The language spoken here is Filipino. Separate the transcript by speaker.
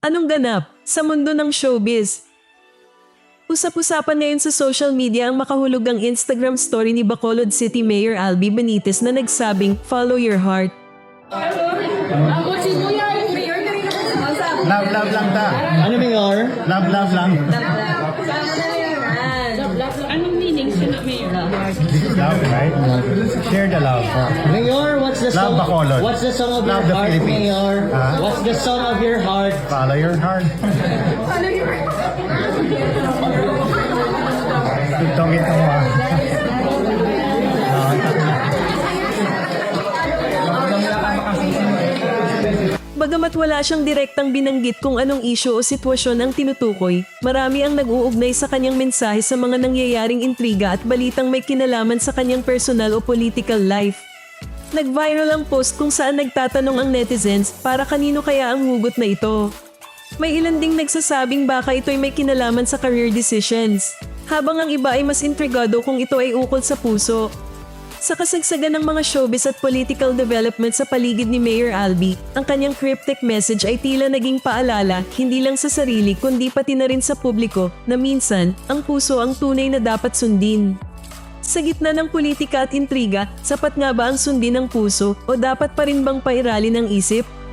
Speaker 1: Anong ganap sa mundo ng showbiz? Usap-usapan ngayon sa social media ang makahulugang Instagram story ni Bacolod City Mayor Albi Benitez na nagsabing, "Follow your heart."
Speaker 2: Love, love lang ta.
Speaker 3: Ano, Mayor?
Speaker 2: Love, love lang.
Speaker 4: Anong meaning sa mayor?
Speaker 2: Love, right? Share the love.
Speaker 3: Mayor, what's the
Speaker 2: Love
Speaker 3: song?
Speaker 2: Bacolod.
Speaker 3: What's the song of
Speaker 2: Love
Speaker 3: your
Speaker 2: the
Speaker 3: heart,
Speaker 2: Philippines.
Speaker 3: Mayor?
Speaker 2: Ha?
Speaker 3: What's the song of your heart?
Speaker 2: Follow your heart. Tugtongin ka mo ah.
Speaker 1: Bagamat wala siyang direktang binanggit kung anong isyu o sitwasyon ang tinutukoy, marami ang nag-uugnay sa kanyang mensahe sa mga nangyayaring intriga at balitang may kinalaman sa kanyang personal o political life. Nag-viral ang post kung saan nagtatanong ang netizens para kanino kaya ang hugot na ito. May ilan ding nagsasabing baka ito'y may kinalaman sa career decisions, habang ang iba ay mas intrigado kung ito ay ukol sa puso. Sa kasagsagan ng mga showbiz at political development sa paligid ni Mayor Albi, ang kanyang cryptic message ay tila naging paalala hindi lang sa sarili kundi pati na rin sa publiko na minsan, ang puso ang tunay na dapat sundin. Sa gitna ng politika at intriga, sapat nga ba ang sundin ng puso o dapat pa rin bang pairalin ng isip?